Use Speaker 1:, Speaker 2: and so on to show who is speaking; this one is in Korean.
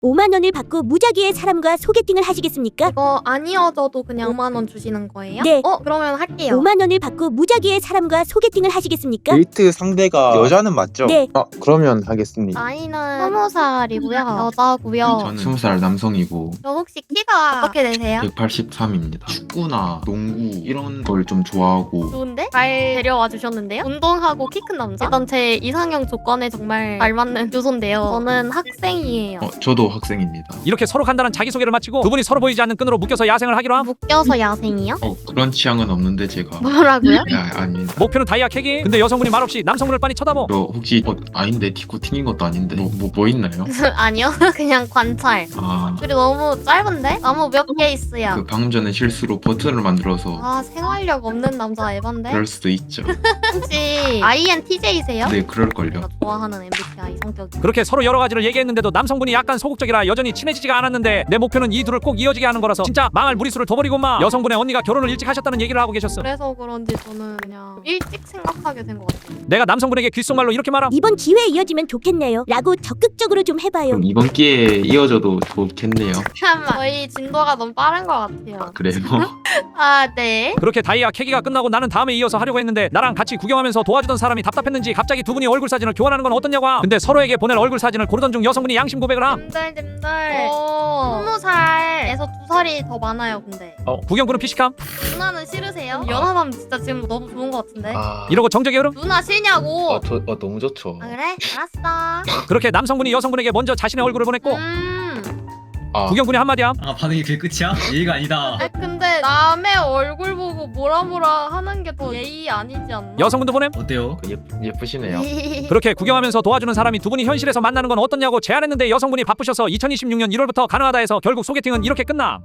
Speaker 1: 5만 원을 받고 무작위의 사람과 소개팅을 하시겠습니까?
Speaker 2: 이거 안 이어져도 그냥 5만 원 주시는 거예요?
Speaker 1: 네.
Speaker 2: 그러면 할게요.
Speaker 1: 5만 원을 받고 무작위의 사람과 소개팅을 하시겠습니까?
Speaker 3: 데이트 상대가 여자는 맞죠?
Speaker 1: 네.
Speaker 3: 그러면 하겠습니다.
Speaker 2: 나이는 20살이고요. 여자고요.
Speaker 4: 저는 20살 남성이고
Speaker 2: 저 혹시 키가 어떻게 되세요?
Speaker 4: 183입니다. 축구나 농구 이런 걸 좀 좋아하고
Speaker 2: 좋은데? 잘 데려와 주셨는데요? 운동하고 키 큰 남자? 일단 제 이상형 조건에 정말 잘 맞는 요소인데요. 저는 학생이에요.
Speaker 4: 저도 학생입니다.
Speaker 5: 이렇게 서로 간단한 자기소개를 마치고 두 분이 서로 보이지 않는 끈으로 묶여서 야생을 하기로 함.
Speaker 2: 묶여서 야생이요?
Speaker 4: 그런 취향은 없는데 제가
Speaker 2: 뭐라고요?
Speaker 4: 아닙니다.
Speaker 5: 목표는 다이아 캐기. 근데 여성분이 말없이 남성분을 빤히 쳐다보.
Speaker 4: 저 혹시 아닌데 디코 튕긴 것도 아닌데 뭐 있나요?
Speaker 2: 아니요. 그냥 관찰. 그리고 너무 짧은데? 나무 몇 개 있어요.
Speaker 4: 그 방금 전에 실수로 버튼을 만들어서
Speaker 2: 아 생활력 없는 남자 에반데?
Speaker 4: 그럴 수도 있죠.
Speaker 2: 혹시 INTJ세요?
Speaker 4: 네, 그럴걸요.
Speaker 2: 제가 좋아하는 MBTI 성격이.
Speaker 5: 그렇게 서로 여러 가지를 얘기했는데도 남성분이 약간 소극적이라 여전히 친해지지가 않았는데 내 목표는 이 둘을 꼭 이어지게 하는 거라서 진짜 망할 무리수를 둬버리고 마. 여성분의 언니가 결혼을 일찍 하셨다는 얘기를 하고 계셨어.
Speaker 2: 그래서 그런지 저는 그냥 일찍 생각하게 된 것 같아요.
Speaker 5: 내가 남성분에게 귓속말로 이렇게 말함.
Speaker 1: 이번 기회에 이어지면 좋겠네요. 라고 적극적으로 좀 해봐요.
Speaker 4: 그럼 이번 기회에 이어져도 좋겠네요.
Speaker 2: 잠깐만 저희 진도가 너무 빠른 것 같아요.
Speaker 4: 그래요?
Speaker 2: 아 네.
Speaker 5: 그렇게 다이아 캐기가 끝나고 나는 다음에 이어서 하려고 했는데 나랑 같이 구경하면서 도와주던 사람이 답답했는지 갑자기 두 분이 얼굴 사진을 교환하는 건 어떻냐고 함. 근데 서로에게 보낼 얼굴 사진을 고르던 중 여성분이 양심 고백을 함.
Speaker 2: 님들 20살에서 2살이 더 많아요 근데.
Speaker 5: 구경꾼은 피식함.
Speaker 2: 누나는 싫으세요? 연하남 진짜 지금 너무 좋은 것 같은데.
Speaker 5: 이러고 정적의 흐름.
Speaker 2: 누나 싫냐고.
Speaker 4: 너무 좋죠.
Speaker 2: 아, 그래? 알았어.
Speaker 5: 그렇게 남성분이 여성분에게 먼저 자신의 얼굴을 보냈고 구경꾼이 한마디 함.
Speaker 6: 아 반응이 그게 끝이야? 예의가 아니다.
Speaker 2: 근데 남의 얼굴 보고 뭐라 하는 게 더 예의 아니지 않나?
Speaker 5: 여성분도 보냄.
Speaker 6: 어때요?
Speaker 4: 예쁘시네요.
Speaker 5: 그렇게 구경하면서 도와주는 사람이 두 분이 현실에서 만나는 건 어떠냐고 제안했는데 여성분이 바쁘셔서 2026년 1월부터 가능하다 해서 결국 소개팅은 이렇게 끝남.